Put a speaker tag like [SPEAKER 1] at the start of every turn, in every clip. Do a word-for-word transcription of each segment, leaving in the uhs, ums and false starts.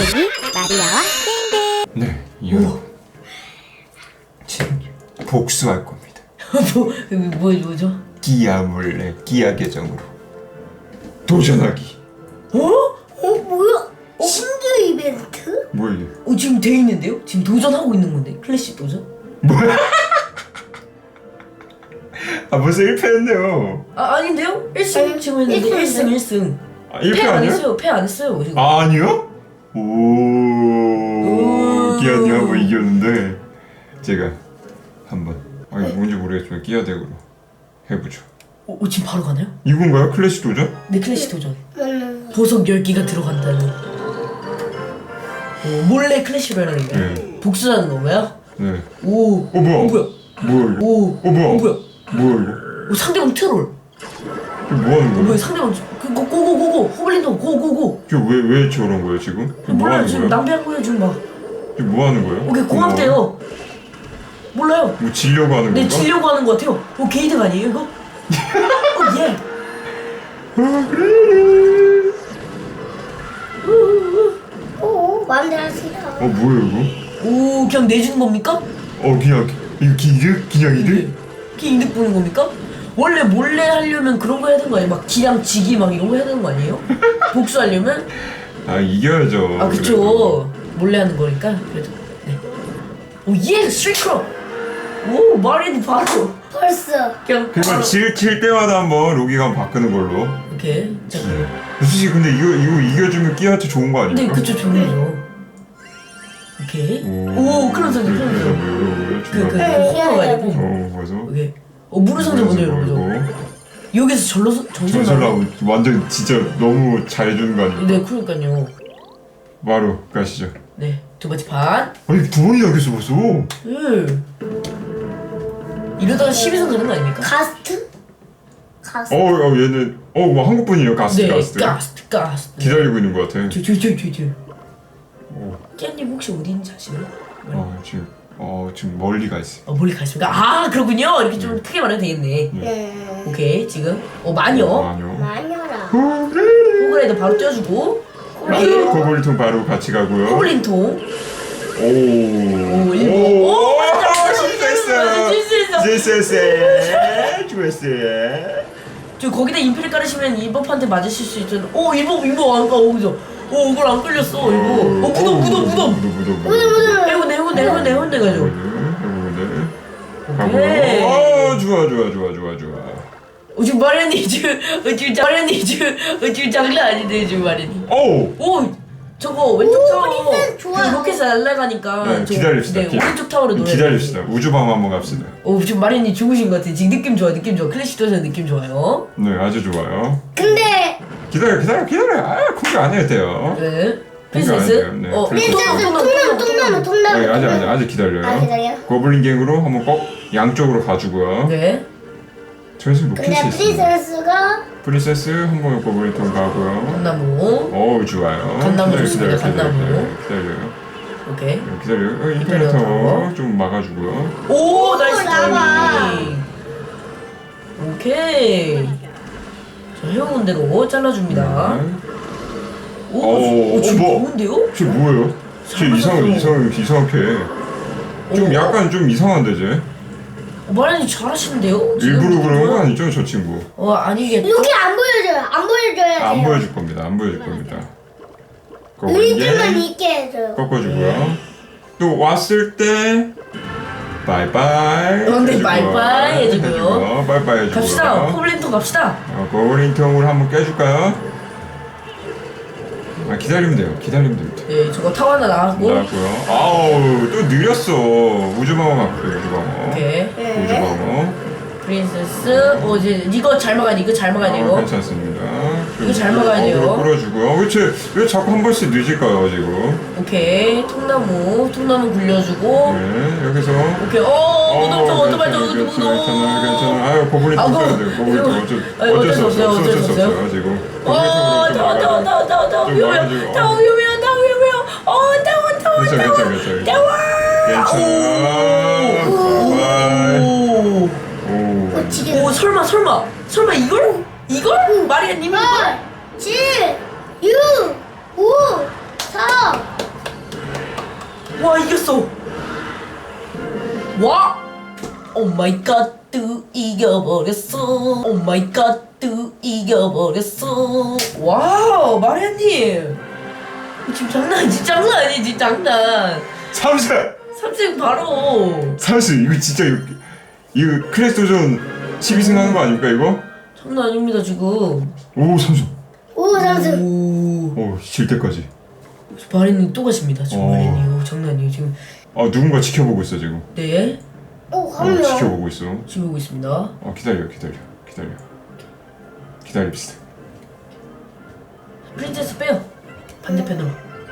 [SPEAKER 1] 여기 마리아와 땡땡.
[SPEAKER 2] 네, 여러분 지금 복수할 겁니다.
[SPEAKER 3] 뭐, 뭐, 뭐죠?
[SPEAKER 2] 끼야 몰래 끼야 계정으로 도전하기.
[SPEAKER 3] 어?
[SPEAKER 4] 어 뭐야? 신규 이벤트?
[SPEAKER 2] 뭐야 이게?
[SPEAKER 3] 어, 지금 돼 있는데요? 지금 도전하고 있는 건데 클래식 도전?
[SPEAKER 2] 뭐야? 아 벌써 일 패했네요.
[SPEAKER 3] 아 아닌데요? 일 승 지금 했는데 일 승 일 승
[SPEAKER 2] 아, 일 패
[SPEAKER 3] 패 안
[SPEAKER 2] 아니에요?
[SPEAKER 3] 했어요. 패 안 했어요 지금.
[SPEAKER 2] 아 아니요? 오,
[SPEAKER 3] 오.
[SPEAKER 2] 끼야님 한번 이겼는데 제가 한번 아 이거 뭔지 모르겠지만 끼야 덱으로 해보죠.
[SPEAKER 3] 어, 어, 지금 바로 가나요?
[SPEAKER 2] 이건가요? 클래식 도전?
[SPEAKER 3] 네 클래식 도전.
[SPEAKER 4] 음,
[SPEAKER 3] 보석 열 개가 들어간다는. 어, 몰래 클래식을 하는 건가요?
[SPEAKER 2] 네.
[SPEAKER 3] 복수하는 건가요?
[SPEAKER 2] 네.
[SPEAKER 3] 오.
[SPEAKER 2] 어 뭐야?
[SPEAKER 3] 어, 뭐야?
[SPEAKER 2] 뭐야 이거?
[SPEAKER 3] 오.
[SPEAKER 2] 어 뭐야?
[SPEAKER 3] 어, 뭐야?
[SPEAKER 2] 뭐야 이거?
[SPEAKER 3] 어, 상대방 트롤.
[SPEAKER 2] 이거 뭐 하는
[SPEAKER 3] 어,
[SPEAKER 2] 거야?
[SPEAKER 3] 뭐야? 상대방 그 고, 고고고고 호블린도 고고고.
[SPEAKER 2] 지금 왜, 왜 저런 거예요 지금? 지금 뭐
[SPEAKER 3] 몰라요
[SPEAKER 2] 하는
[SPEAKER 3] 지금
[SPEAKER 2] 거예요?
[SPEAKER 3] 낭비한 거예요 지금 막.
[SPEAKER 2] 지금 뭐 하는 거예요?
[SPEAKER 3] 오케이 고맙대요. 몰라요.
[SPEAKER 2] 뭐 지려고 하는
[SPEAKER 3] 네
[SPEAKER 2] 건가?
[SPEAKER 3] 지려고 하는 거 같아요. 어 게이득 아니에요 이거? 어 예.
[SPEAKER 4] 오 마음대로 하시라.
[SPEAKER 2] 어 뭐야 이거?
[SPEAKER 3] 오 그냥 내주는 겁니까?
[SPEAKER 2] 어 그냥 이거 기득? 그냥 이득?
[SPEAKER 3] 그게 이득 보는 겁니까? 원래 몰래 하려면 그런 거 해야 되는 거 아니에요? 막 기량 지기 막 이런 거 해야 되는 거 아니에요? 복수하려면?
[SPEAKER 2] 아 이겨야죠.
[SPEAKER 3] 아 그쵸. 몰래 하는 거니까 그래도. 네. 오예 스트리크로. 오 마리는 바로
[SPEAKER 4] 벌써.
[SPEAKER 3] 그냥
[SPEAKER 2] 그러니까
[SPEAKER 3] 바로.
[SPEAKER 2] 칠, 칠 때마다 한번 로기감 바꾸는 걸로.
[SPEAKER 3] 오케이 자 그럼.
[SPEAKER 2] 솔직히 근데 이거 이거 이겨주면 끼한테 좋은 거
[SPEAKER 3] 네
[SPEAKER 2] 아닙니까?
[SPEAKER 3] 그쵸 좋은 거죠. 오케이. 오 클럽 선수 클럽 선수. 그그
[SPEAKER 2] 그,
[SPEAKER 3] 호로 가야 되고.
[SPEAKER 2] 어 그래서
[SPEAKER 3] 오케이. 어 무릎 상자 먼저 열어보죠. 여기서 절로 정신
[SPEAKER 2] 전설하고 완전 진짜 너무 잘해주는 거 아닙니까?
[SPEAKER 3] 네 그러니까요.
[SPEAKER 2] 바로 가시죠.
[SPEAKER 3] 네 두 번째 판.
[SPEAKER 2] 아니 두 번이나 이겼어 벌써.
[SPEAKER 3] 예. 이러다가 십이 선 가는 거 아닙니까?
[SPEAKER 4] 가스트? 가스트.
[SPEAKER 2] 어, 어 얘는 어뭐 한국 분이에요 가스트
[SPEAKER 3] 네,
[SPEAKER 2] 가스트.
[SPEAKER 3] 가스트, 가스트.
[SPEAKER 2] 기다리고 있는 것 같아.
[SPEAKER 3] 저, 저, 저, 저, 저.
[SPEAKER 2] 어,
[SPEAKER 3] 깨님 혹시 어디 있는지 아시나요?
[SPEAKER 2] 어 지금 어 지금 멀리 가 있어.
[SPEAKER 3] 어, 멀리 가십니까? 아, 그렇군요. 이렇게 좀 크게 말해도 되겠네.
[SPEAKER 4] 네.
[SPEAKER 3] 오케이, 지금. 어, 마녀.
[SPEAKER 2] 아니요.
[SPEAKER 4] 마녀라.
[SPEAKER 3] 호그라이더 바로 띄워주고. 오케이.
[SPEAKER 2] 고블린통 바로 같이 가고요.
[SPEAKER 3] 호블린통.
[SPEAKER 2] 오.
[SPEAKER 3] 오, 일곱.
[SPEAKER 2] 오,
[SPEAKER 3] 오, 맞다.
[SPEAKER 2] 실수했어.
[SPEAKER 3] 실수했어.
[SPEAKER 2] 실수했어. 좋았어.
[SPEAKER 3] 저 거기다 인피를 깔으시면 이버한테 맞으실 수 있잖아. 오, 이버, 이버 안 까, 오, 그죠? 오, 이걸 안 끌렸어, 이거. 어, 무덤, 무덤, 무덤.
[SPEAKER 2] 무덤, 무덤, 무덤.
[SPEAKER 3] 해운대, 해운대, 해운대, 해운대 가죠. 오케이.
[SPEAKER 2] 어, 좋아, 좋아, 좋아, 좋아, 좋아.
[SPEAKER 3] 어, 지금 마련이 지금, 어, 지금 마련이 지금, 어, 지금 장난 아닌데, 지금 마련이.
[SPEAKER 2] 오.
[SPEAKER 3] 오! 저거 왼쪽
[SPEAKER 4] 오,
[SPEAKER 3] 타워
[SPEAKER 4] 리셋 좋아요.
[SPEAKER 3] 그 로켓 날아가니까
[SPEAKER 2] 네,
[SPEAKER 3] 저-
[SPEAKER 2] 기다립시다.
[SPEAKER 3] 네,
[SPEAKER 2] 기-
[SPEAKER 3] 오른쪽 타워로 노래
[SPEAKER 2] 기다립시다. 우주방 한번 갑시다.
[SPEAKER 3] 오 지금 마린이 죽으신 것 같아. 지금 느낌 좋아 느낌 좋아. 클래식 도전 느낌 좋아요.
[SPEAKER 2] 네, 아주 좋아요.
[SPEAKER 4] 근데
[SPEAKER 2] 기다려, 기다려, 기다려. 아, 공개 안 해도 돼요.
[SPEAKER 3] 네
[SPEAKER 2] 그러니까 안
[SPEAKER 3] 프린세스
[SPEAKER 2] 돼요. 네,
[SPEAKER 3] 어
[SPEAKER 2] 프린세스.
[SPEAKER 4] 프린세스
[SPEAKER 3] 통나무,
[SPEAKER 4] 통나무 통나무
[SPEAKER 2] 아니,
[SPEAKER 4] 통나무.
[SPEAKER 2] 아직, 아직, 아직 기다려요.
[SPEAKER 4] 아, 기다려요?
[SPEAKER 2] 고블린 갱으로 한번 꼭 양쪽으로 가주고요.
[SPEAKER 3] 네
[SPEAKER 2] 저기서 로켓이
[SPEAKER 4] 근데
[SPEAKER 2] 있어요.
[SPEAKER 4] 프린세스가
[SPEAKER 2] 프린세스 한번 고블린통 가고요.
[SPEAKER 3] 감나무
[SPEAKER 2] 어우, 좋아요.
[SPEAKER 3] 감나무
[SPEAKER 2] 기다려,
[SPEAKER 3] 좋습니다,
[SPEAKER 2] 기다려, 기다려,
[SPEAKER 3] 감나무.
[SPEAKER 2] 기다려요.
[SPEAKER 3] 오케이
[SPEAKER 2] 기다려요. 어,
[SPEAKER 3] 기다려요.
[SPEAKER 2] 인터넷터 좀 막아주고요.
[SPEAKER 3] 오 나이스
[SPEAKER 4] 나와.
[SPEAKER 3] 타이밍. 오케이 자 해온 대로 잘라줍니다.
[SPEAKER 2] 네.
[SPEAKER 3] 오,
[SPEAKER 2] 오,
[SPEAKER 3] 오 지금
[SPEAKER 2] 뭐?
[SPEAKER 3] 좋은데요?
[SPEAKER 2] 쟤 뭐예요? 쟤 이상 이상 이상하게 좀
[SPEAKER 3] 오.
[SPEAKER 2] 약간 좀 이상한데 쟤
[SPEAKER 3] 어, 마린이 잘하시는데요? 지금
[SPEAKER 2] 일부러 그런 거
[SPEAKER 3] 느낌은?
[SPEAKER 2] 아니죠 저 친구?
[SPEAKER 3] 어 아니겠죠?
[SPEAKER 4] 이렇게 안 보여줘요. 안 보여줘야 돼요.
[SPEAKER 2] 안 보여줄 겁니다. 안 보여줄 겁니다. 그거
[SPEAKER 4] 의지만
[SPEAKER 2] 이게
[SPEAKER 4] 있게 해줘요.
[SPEAKER 2] 꺾어주고요. 또 왔을 때 바이바이.
[SPEAKER 3] 어, 네,
[SPEAKER 2] 해주고요.
[SPEAKER 3] 바이바이 해주고요.
[SPEAKER 2] 해주고요. 바이바이 해주고요.
[SPEAKER 3] 갑시다. 포블린통 갑시다.
[SPEAKER 2] 어, 고블린통으로 한번 깨줄까요? 아 기다리면 돼요. 기다리면 됩니다.
[SPEAKER 3] 네, 저거 타워 하나 나왔고.
[SPEAKER 2] 나왔고요. 아우 또 느렸어. 우주방어 갈게요. 우주방어.
[SPEAKER 3] 오케이.
[SPEAKER 4] 네.
[SPEAKER 2] 우주방어.
[SPEAKER 3] 프린세스. 어 이제 이거 잘 막아야 돼. 이거 잘 막아야 돼.
[SPEAKER 2] 어,
[SPEAKER 3] 이거.
[SPEAKER 2] 괜찮습니다.
[SPEAKER 3] 이거 잘 막아야 돼요.
[SPEAKER 2] 어그로 끌어주고요. 왜, 쟤, 왜 자꾸 한 번씩 늦을까요 지금?
[SPEAKER 3] 오케이. 통나무. 통나무 굴려주고.
[SPEAKER 2] 네 여기서.
[SPEAKER 3] 오케이. 어 무덤 저 어떡하죠?
[SPEAKER 2] 괜찮아,
[SPEAKER 3] 무덤
[SPEAKER 2] 괜찮아, 괜찮아, 괜찮아.
[SPEAKER 3] 무덤.
[SPEAKER 2] 아유 고블린
[SPEAKER 3] 아,
[SPEAKER 2] 통
[SPEAKER 3] 그거-
[SPEAKER 2] 써야 돼요. 고블린 통 어쩔,
[SPEAKER 3] 아니,
[SPEAKER 2] 어쩔 수 없어요. 어쩔 수 없어요 지금.
[SPEAKER 3] 어 타워 타워 타워 타워 타워
[SPEAKER 2] 좀
[SPEAKER 3] 위험해요.
[SPEAKER 2] 막아주고.
[SPEAKER 3] 타워 위험해요. 타워 위험해요. 어 타워 타워
[SPEAKER 2] 괜찮아
[SPEAKER 3] 타워.
[SPEAKER 2] 괜찮아 괜찮아.
[SPEAKER 3] 타워.
[SPEAKER 2] 괜찮아. 바이바이.
[SPEAKER 3] 오.
[SPEAKER 2] 오.
[SPEAKER 4] 어, 지금
[SPEAKER 3] 오 설마 설마 설마 이걸? 이걸? 마리아님이 이걸?
[SPEAKER 4] 팔, 칠, 육, 오, 사,
[SPEAKER 3] 와 이겼어. 와. 오 마이 갓 이겨버렸어. 오 마이 갓 이겨버렸어. 와우 마리아님. 지금 장난 아니지 장난 아니지 장난.
[SPEAKER 2] 삼십!
[SPEAKER 3] 삼승 바로.
[SPEAKER 2] 삼십! 이거 진짜 이거 이거 클래스 도전 십이 승 하는 거 아닙니까 이거?
[SPEAKER 3] 장난 아닙니다 지금.
[SPEAKER 2] 오 삼십!
[SPEAKER 4] 오 삼승.
[SPEAKER 3] 오.
[SPEAKER 2] 오 질 때까지.
[SPEAKER 3] 마리아님 또 가십니다 지금.
[SPEAKER 2] 어.
[SPEAKER 3] 마리아님. 오, 장난 아니에요 지금.
[SPEAKER 2] 아 누군가 지켜보고 있어 지금.
[SPEAKER 3] 네.
[SPEAKER 4] 오
[SPEAKER 2] 어,
[SPEAKER 4] 한 명.
[SPEAKER 2] 지켜보고 있어.
[SPEAKER 3] 지금 오고 있습니다.
[SPEAKER 2] 어 기다려 기다려 기다려 기다립시다.
[SPEAKER 3] 프린세스 빼요. 반대편으로.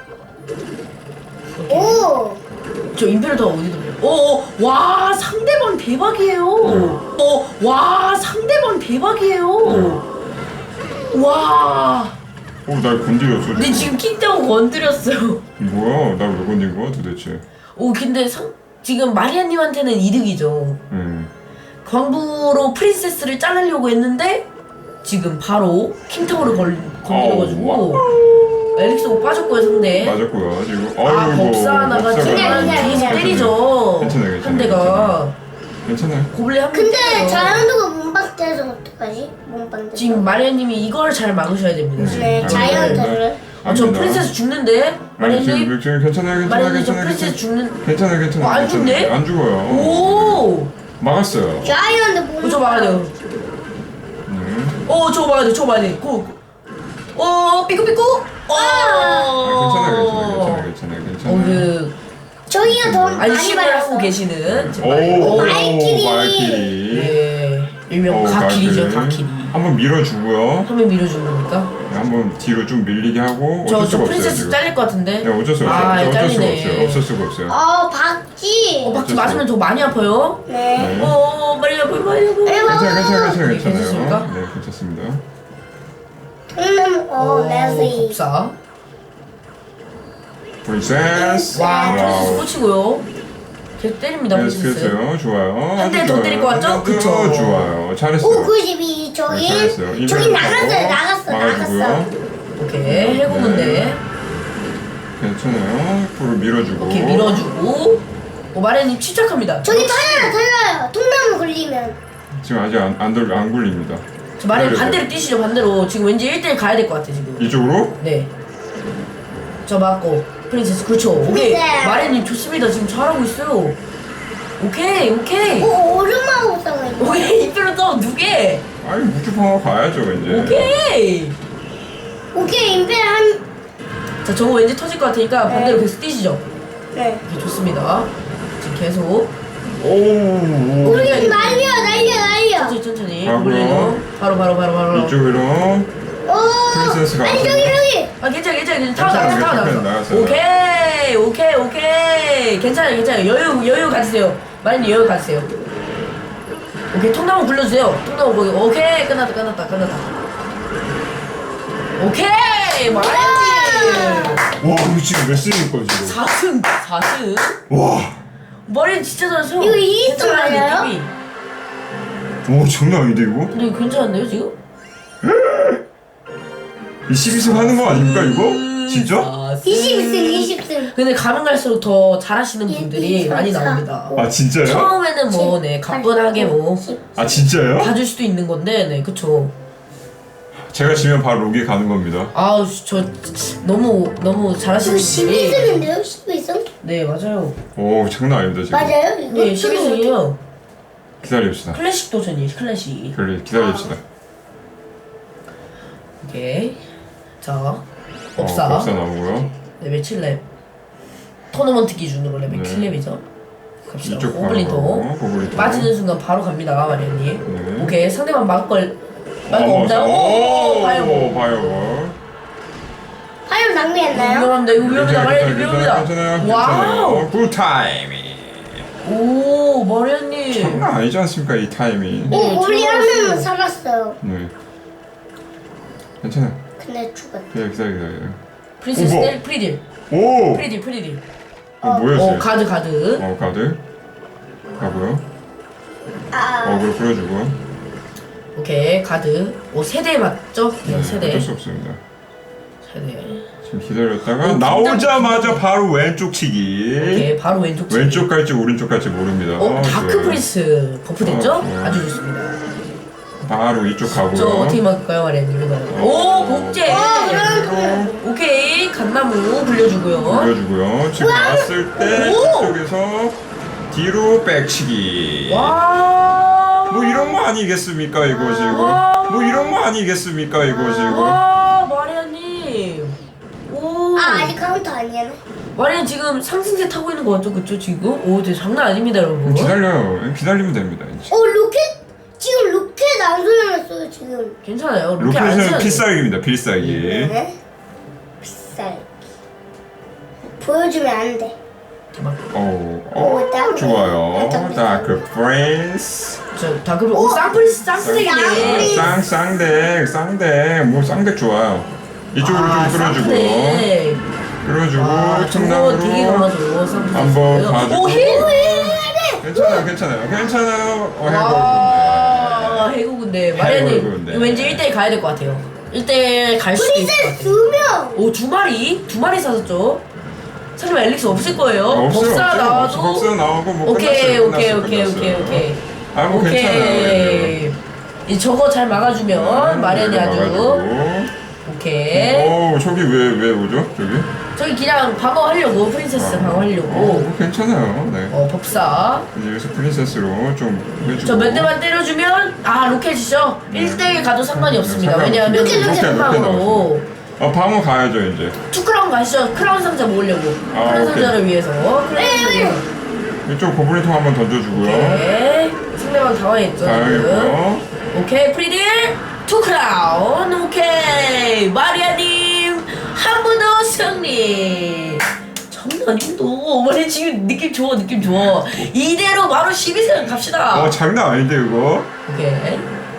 [SPEAKER 4] 오.
[SPEAKER 3] 저 임페르터 어디로? 오, 와 상대방 대박이에요. 어, 와 상대방 대박이에요. 와.
[SPEAKER 2] 오날 건드렸어
[SPEAKER 3] 근데 지금 킹다운 건드렸어요.
[SPEAKER 2] 뭐야 날 왜 건든 거야 도대체.
[SPEAKER 3] 오 근데 상 지금 마리아님한테는 이득이죠.
[SPEAKER 2] 음.
[SPEAKER 3] 광부로 프린세스를 자르려고 했는데 지금 바로 킹타워를 걸 건드려가지고 엘릭스가 빠졌고요 상대.
[SPEAKER 2] 맞았고요 지금.
[SPEAKER 3] 아
[SPEAKER 2] 아이고,
[SPEAKER 3] 법사 하나가
[SPEAKER 2] 법사가
[SPEAKER 3] 지금
[SPEAKER 4] 괜찮아요,
[SPEAKER 3] 뒤에서
[SPEAKER 4] 괜찮아요.
[SPEAKER 3] 때리죠.
[SPEAKER 2] 괜찮아요, 괜찮아요,
[SPEAKER 3] 한 대가
[SPEAKER 2] 괜찮아요.
[SPEAKER 3] 고블린 한 명.
[SPEAKER 4] 근데
[SPEAKER 3] 때려요.
[SPEAKER 4] 자연도가 몸박대서 어떡하지? 몸박대.
[SPEAKER 3] 지금 마리아님이 이걸 잘 막으셔야 됩니다. 지금.
[SPEAKER 4] 네 자연도를.
[SPEAKER 3] 아, 저 프린세스 죽는데
[SPEAKER 2] 아니 지금
[SPEAKER 3] 마리아님.
[SPEAKER 2] 지금 괜찮아요 괜찮아요
[SPEAKER 3] 마리아님 저
[SPEAKER 2] 괜찮아요
[SPEAKER 3] 프린세스
[SPEAKER 2] 괜찮아요
[SPEAKER 3] 죽는.
[SPEAKER 2] 괜찮아요 괜찮아요
[SPEAKER 3] 어, 안
[SPEAKER 2] 괜찮아요.
[SPEAKER 3] 죽네?
[SPEAKER 2] 안 죽어요.
[SPEAKER 3] 오.
[SPEAKER 2] 막았어요.
[SPEAKER 4] 자연도 몸.
[SPEAKER 3] 어, 저 막아야 돼요.
[SPEAKER 2] 네.
[SPEAKER 3] 어, 저거 막아야 돼. 저거 막아야 돼. 고. 어, 삐꾸삐꾸. 어.
[SPEAKER 2] 아, 괜찮아요 괜찮아요 괜찮아요 괜찮아요.
[SPEAKER 3] 어, 그
[SPEAKER 4] 저기가 더 많이
[SPEAKER 3] 안심을 하고
[SPEAKER 4] 받았어.
[SPEAKER 3] 계시는 제
[SPEAKER 2] 오,
[SPEAKER 3] 말-
[SPEAKER 2] 오,
[SPEAKER 4] 발키리.
[SPEAKER 2] 발키리.
[SPEAKER 3] 네. 일명
[SPEAKER 2] 오,
[SPEAKER 3] 가키리죠,
[SPEAKER 2] 발키리.
[SPEAKER 3] 가키리.
[SPEAKER 2] 한번 밀어주고요.
[SPEAKER 3] 화면 밀어주는 겁니까?
[SPEAKER 2] 네, 한번 뒤로 좀 밀리게 하고
[SPEAKER 3] 저,
[SPEAKER 2] 어쩔
[SPEAKER 3] 저
[SPEAKER 2] 수가 없어요
[SPEAKER 3] 프린세스
[SPEAKER 2] 지금.
[SPEAKER 3] 잘릴 것 같은데?
[SPEAKER 2] 네 어쩔 수 없어요.
[SPEAKER 3] 아,
[SPEAKER 2] 어쩔 수가
[SPEAKER 3] 잘리네.
[SPEAKER 2] 없어요. 없을 수가 없어요.
[SPEAKER 4] 어 박지.
[SPEAKER 3] 어, 박지
[SPEAKER 2] 어쩔
[SPEAKER 3] 맞으면 더 많이 아파요?
[SPEAKER 4] 네.
[SPEAKER 2] 네.
[SPEAKER 3] 어, 많이 아파요, 많이 아파요.
[SPEAKER 2] 괜찮아요 괜찮아요 괜찮아요
[SPEAKER 3] 네, 괜찮습니까?
[SPEAKER 2] 괜찮아요. 네 괜찮습니다.
[SPEAKER 4] 통나무 어 내시.
[SPEAKER 3] 법사.
[SPEAKER 2] 프린세스.
[SPEAKER 3] 와, 프린세스
[SPEAKER 2] 와우.
[SPEAKER 3] 꽂히고요. 계속 때립니다,
[SPEAKER 2] 네,
[SPEAKER 3] 프린세스.
[SPEAKER 2] 그랬어요. 좋아요.
[SPEAKER 3] 한 대
[SPEAKER 2] 아주
[SPEAKER 3] 더
[SPEAKER 2] 좋아요.
[SPEAKER 3] 때릴 것 같죠?
[SPEAKER 2] 한 대 더
[SPEAKER 3] 그쵸.
[SPEAKER 2] 좋아요. 잘했어요.
[SPEAKER 4] 오 구십이 저기.
[SPEAKER 2] 네, 잘했어요.
[SPEAKER 4] 저기
[SPEAKER 2] 이번엔
[SPEAKER 4] 나갔어요
[SPEAKER 2] 바로
[SPEAKER 4] 나갔어
[SPEAKER 2] 막아주고요.
[SPEAKER 4] 나갔어.
[SPEAKER 3] 오케이, 해고문데.
[SPEAKER 2] 괜찮아요. 앞으로 밀어주고.
[SPEAKER 3] 오케이, 밀어주고. 오, 마레님 침착합니다.
[SPEAKER 4] 저기 털려요 털려요. 통나무 걸리면.
[SPEAKER 2] 지금 아직 안, 안, 돌, 안 굴립니다.
[SPEAKER 3] 저 마레님
[SPEAKER 2] 기다려요.
[SPEAKER 3] 반대로 뛰시죠, 반대로. 지금 왠지 일 대 일 가야 될 것 같아, 지금.
[SPEAKER 2] 이쪽으로?
[SPEAKER 3] 네. 저 맞고. 프린세스, 그렇죠. 오케이.
[SPEAKER 4] 네.
[SPEAKER 3] 마레님 좋습니다. 지금 잘하고 있어요. 오케이, 오케이.
[SPEAKER 4] 오 오르마고 싸워.
[SPEAKER 3] 오케이, 이별로 또 두 개.
[SPEAKER 2] 아니 무주방어 가야죠 이제.
[SPEAKER 3] 오케이.
[SPEAKER 4] 오케이 임페 한.
[SPEAKER 3] 자, 저거 왠지 터질 것 같으니까
[SPEAKER 4] 네.
[SPEAKER 3] 반대로 계속 뛰시죠.
[SPEAKER 4] 네.
[SPEAKER 3] 오케이, 좋습니다. 지금 계속.
[SPEAKER 2] 오. 오.
[SPEAKER 4] 우리 날려 날려 날려.
[SPEAKER 3] 천천히, 천천히.
[SPEAKER 2] 하고요.
[SPEAKER 3] 고블린으로. 바로, 바로, 바로, 바로.
[SPEAKER 2] 이쪽으로.
[SPEAKER 4] 오.
[SPEAKER 2] 프린세스가
[SPEAKER 4] 아니 저기 저기.
[SPEAKER 3] 아, 괜찮아, 괜찮아. 괜찮아. 타워
[SPEAKER 2] 괜찮아요,
[SPEAKER 3] 나왔어, 타워
[SPEAKER 2] 괜찮아요.
[SPEAKER 3] 나왔어.
[SPEAKER 2] 나왔어요.
[SPEAKER 3] 오케이, 오케이, 오케이. 괜찮아요, 괜찮아요. 여유, 여유 가지세요. 마린이 여유 가지세요. 오케이, 통나무 굴려주세요. 통나무 거기. 오케이, 끝났다, 끝났다, 끝났다. 오케이, 마린이.
[SPEAKER 2] 와 이거 지금 몇 승일까 지금?
[SPEAKER 3] 사 승, 사 승.
[SPEAKER 2] 와.
[SPEAKER 3] 마린 진짜 잘하세요.
[SPEAKER 4] 이거 이 승
[SPEAKER 3] 괜찮아요,
[SPEAKER 4] 맞아요?
[SPEAKER 3] 느낌이.
[SPEAKER 2] 오 장난 아닌데 이거?
[SPEAKER 3] 근데 이거 괜찮은데요, 지금?
[SPEAKER 2] 이 십이 승 하는 거 아닙니까 이거?
[SPEAKER 3] 음,
[SPEAKER 2] 진짜?
[SPEAKER 3] 사 승.
[SPEAKER 4] 이십 승 이십 승.
[SPEAKER 3] 근데 가면 갈수록 더 잘하시는
[SPEAKER 4] 일,
[SPEAKER 3] 분들이
[SPEAKER 4] 이,
[SPEAKER 3] 많이
[SPEAKER 4] 삼,
[SPEAKER 3] 나옵니다.
[SPEAKER 2] 아 진짜요?
[SPEAKER 3] 처음에는 뭐, 네, 가뿐하게 뭐,
[SPEAKER 2] 아 진짜요?
[SPEAKER 3] 봐줄 수도 있는 건데, 네, 그쵸.
[SPEAKER 2] 제가 지면 바로 로기 가는 겁니다.
[SPEAKER 3] 아우, 저, 너무, 너무 잘하시는
[SPEAKER 4] 이거 십이
[SPEAKER 3] 분들이.
[SPEAKER 4] 승인데요? 십이 승?
[SPEAKER 3] 네, 맞아요.
[SPEAKER 2] 오 장난 아닙니다 지금.
[SPEAKER 4] 맞아요? 이거
[SPEAKER 3] 네, 십이 승이에요.
[SPEAKER 2] 기다립시다.
[SPEAKER 3] 클래식 도전이에요, 클래식.
[SPEAKER 2] 그래 기다립시다.
[SPEAKER 3] 오케이. 자,
[SPEAKER 2] 어,
[SPEAKER 3] 법사.
[SPEAKER 2] 법사 나오고요.
[SPEAKER 3] 레벨 칠 렙. 토너먼트 기준으로 레벨
[SPEAKER 2] 네.
[SPEAKER 3] 칠 렙이죠. 갑시다.
[SPEAKER 2] 이쪽
[SPEAKER 3] 고블린토.
[SPEAKER 2] 바로 고블린토.
[SPEAKER 3] 빠지는 순간 바로 갑니다, 마리언님.
[SPEAKER 2] 네.
[SPEAKER 3] 오케이, 상대방 막을 걸. 막을 거
[SPEAKER 2] 어,
[SPEAKER 3] 없나요?
[SPEAKER 2] 오,
[SPEAKER 3] 오, 바이오.
[SPEAKER 2] 바이오.
[SPEAKER 4] 파열 낭비했나요?
[SPEAKER 3] 위험합니다, 이거 위험합니다, 마리언님
[SPEAKER 2] 괜찮아요,
[SPEAKER 3] 위험합니다.
[SPEAKER 2] 괜찮아요.
[SPEAKER 3] 와우!
[SPEAKER 2] 괜찮아요. 굿 타이밍.
[SPEAKER 3] 오, 마리언님.
[SPEAKER 2] 장난 아니지 않습니까 이 타이밍.
[SPEAKER 3] 네,
[SPEAKER 4] 오 우리 한
[SPEAKER 3] 들어갔어요.
[SPEAKER 4] 명은 살았어요.
[SPEAKER 2] 네. 괜찮아요.
[SPEAKER 4] 근데 죽었다.
[SPEAKER 2] 기다려 기다려 기다려.
[SPEAKER 3] 프린세스
[SPEAKER 2] 오, 뭐?
[SPEAKER 3] 텔 프리딜.
[SPEAKER 2] 오.
[SPEAKER 3] 프리딜, 프리딜.
[SPEAKER 2] 어, 뭐였어요?
[SPEAKER 3] 어, 가드, 가드.
[SPEAKER 2] 어 가드. 가고요.
[SPEAKER 4] 아.
[SPEAKER 2] 어그로 풀어주고.
[SPEAKER 3] 오케이, 가드. 오, 세대 맞죠? 네,
[SPEAKER 2] 네,
[SPEAKER 3] 세대.
[SPEAKER 2] 어쩔 수 없습니다.
[SPEAKER 3] 네.
[SPEAKER 2] 지금 기다렸다가
[SPEAKER 3] 어,
[SPEAKER 2] 나오자마자 바로 왼쪽 치기.
[SPEAKER 3] 오케이, 바로 왼쪽 치기.
[SPEAKER 2] 왼쪽 갈지 오른쪽 갈지 모릅니다.
[SPEAKER 3] 어, 다크
[SPEAKER 2] 좋아요.
[SPEAKER 3] 프린스 버프 됐죠?
[SPEAKER 2] 어, 좋아요.
[SPEAKER 3] 아주 좋습니다.
[SPEAKER 2] 바로 이쪽
[SPEAKER 3] 저
[SPEAKER 2] 가고요.
[SPEAKER 3] 어떻게 막을까요, 마리아님? 이거. 오, 복제. 오케이, 갓나무 굴려주고요.
[SPEAKER 2] 올려주고요. 지금 왔을 때
[SPEAKER 3] 오!
[SPEAKER 2] 이쪽에서 뒤로 백치기.
[SPEAKER 3] 와.
[SPEAKER 2] 뭐 이런 거 아니겠습니까 이거 지금?
[SPEAKER 3] 와.
[SPEAKER 2] 뭐 이런 거 아니겠습니까 이거 지금?
[SPEAKER 3] 와, 마리아님. 오.
[SPEAKER 4] 아 아직 카운터 아니야.
[SPEAKER 3] 마리아 지금 상승세 타고 있는 거 맞죠, 그쵸 지금? 오, 저 장난 아닙니다, 여러분.
[SPEAKER 2] 기다려요. 기다리면 됩니다. 이제.
[SPEAKER 4] 어 로켓 지금 로켓 안 소리났어요 지금.
[SPEAKER 3] 괜찮아요. 로켓 안
[SPEAKER 2] 로켓은
[SPEAKER 3] 써도 돼요.
[SPEAKER 2] 필살기입니다. 필살기.
[SPEAKER 4] 네? 비쌀. 보여주면 안 돼.
[SPEAKER 3] 잠깐만.
[SPEAKER 2] 오,
[SPEAKER 4] 오,
[SPEAKER 2] 오,
[SPEAKER 4] 다크.
[SPEAKER 2] 좋아요.
[SPEAKER 4] 다크.
[SPEAKER 2] 다크 프린스.
[SPEAKER 3] 저 다크 오 쌍프리스 쌍스택이네.
[SPEAKER 4] 쌍프리스.
[SPEAKER 2] 쌍 쌍덱 쌍덱 뭐 쌍덱 좋아요. 이쪽으로
[SPEAKER 3] 아,
[SPEAKER 2] 좀 끌어주고
[SPEAKER 3] 쌍스택.
[SPEAKER 2] 끌어주고
[SPEAKER 3] 아, 저거 되게
[SPEAKER 2] 청담으로
[SPEAKER 3] 강하죠. 쌍프리스.
[SPEAKER 2] 한번 가지고.
[SPEAKER 3] 오, 힐!
[SPEAKER 2] 괜찮아요, 괜찮아요, 괜찮아요. 어,
[SPEAKER 3] 와,
[SPEAKER 2] 해보는데.
[SPEAKER 3] 해고군데.
[SPEAKER 2] 해고군데.
[SPEAKER 3] 마리아님, 이거 왠지 일 대1 가야 될 것 같아요. 일 대1 갈 수도 있을 것
[SPEAKER 4] 프린세스
[SPEAKER 3] 같아요.
[SPEAKER 4] 두 명.
[SPEAKER 3] 오, 두 마리? 두 마리 사셨죠? 설마 엘릭스 없을 거예요?
[SPEAKER 2] 없어요,
[SPEAKER 3] 법사
[SPEAKER 2] 없어요.
[SPEAKER 3] 나와도?
[SPEAKER 2] 법사 나오고 뭐
[SPEAKER 3] 오케이,
[SPEAKER 2] 끝났어요,
[SPEAKER 3] 오케이,
[SPEAKER 2] 끝났어요,
[SPEAKER 3] 오케이,
[SPEAKER 2] 끝났어요.
[SPEAKER 3] 오케이, 오케이.
[SPEAKER 2] 아, 뭐 괜찮아요.
[SPEAKER 3] 이 저거 잘 막아주면 마리안이 아주
[SPEAKER 2] 막아주고.
[SPEAKER 3] 오케이.
[SPEAKER 2] 오, 저기 왜 왜 오죠? 저기?
[SPEAKER 3] 저기 그냥 방어하려고 프린세스
[SPEAKER 2] 어,
[SPEAKER 3] 방어하려고.
[SPEAKER 2] 뭐 괜찮아요. 네.
[SPEAKER 3] 어 법사.
[SPEAKER 2] 이제 여기서 프린세스로 좀 해주고.
[SPEAKER 3] 저 몇 대만 때려주면 아 로켓이죠. 일 대1 가도 상관이 없습니다.
[SPEAKER 2] 상관없-
[SPEAKER 3] 왜냐하면
[SPEAKER 4] 로켓, 로켓,
[SPEAKER 2] 로켓
[SPEAKER 3] 방으로
[SPEAKER 2] 나왔습니다. 아, 방어 가야죠 이제.
[SPEAKER 3] 투 크라운 가시죠. 크라운 상자 모으려고.
[SPEAKER 2] 아,
[SPEAKER 3] 크라운
[SPEAKER 2] 오케이.
[SPEAKER 3] 상자를 위해서. 크라운 상자.
[SPEAKER 2] 이쪽 고블린통 한번 던져주고요.
[SPEAKER 3] 네. 상대방 당황했죠. 지금.
[SPEAKER 2] 다행이고요.
[SPEAKER 3] 오케이 프리딜 투 크라운. 오케이 마리아님 한 번 더 승리. 장난님도 어머니 지금 느낌 좋아 느낌 좋아. 이대로 바로 십이 승 갑시다.
[SPEAKER 2] 어, 장난 아닌데 이거.
[SPEAKER 3] 오케이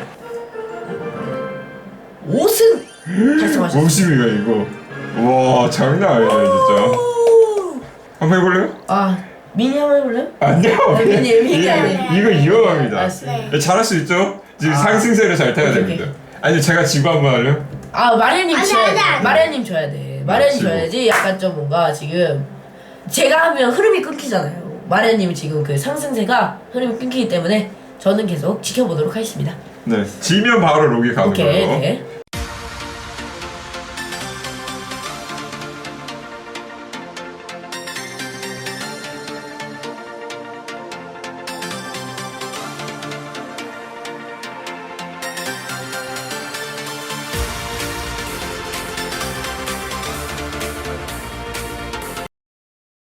[SPEAKER 3] 오 승 달성하셨습니다.
[SPEAKER 2] 오십이가 이거. 와, 장난 아니네 진짜. 한번 해볼래요?
[SPEAKER 3] 아 미니 한번 해볼래요?
[SPEAKER 2] 아니요.
[SPEAKER 3] 아, 미니, 미니
[SPEAKER 2] 이거,
[SPEAKER 3] 아니에요.
[SPEAKER 2] 이거 이어갑니다.
[SPEAKER 3] 알았어요.
[SPEAKER 2] 네, 잘할 수 있죠? 지금
[SPEAKER 3] 아.
[SPEAKER 2] 상승세를 잘 타야
[SPEAKER 3] 오케이,
[SPEAKER 2] 됩니다. 아니 제가 지고 한번 할래요?
[SPEAKER 3] 아 마리아님
[SPEAKER 4] 아니,
[SPEAKER 3] 줘야
[SPEAKER 4] 아니,
[SPEAKER 3] 돼.
[SPEAKER 4] 아니.
[SPEAKER 3] 마리아님 줘야 돼. 마리아님
[SPEAKER 2] 지금.
[SPEAKER 3] 줘야지. 약간 좀 뭔가 지금 제가 하면 흐름이 끊기잖아요. 마리아님이 지금 그 상승세가 흐름이 끊기기 때문에 저는 계속 지켜보도록 하겠습니다.
[SPEAKER 2] 네. 지면 바로 로기 가는
[SPEAKER 3] 오케이,
[SPEAKER 2] 거예요.
[SPEAKER 3] 네.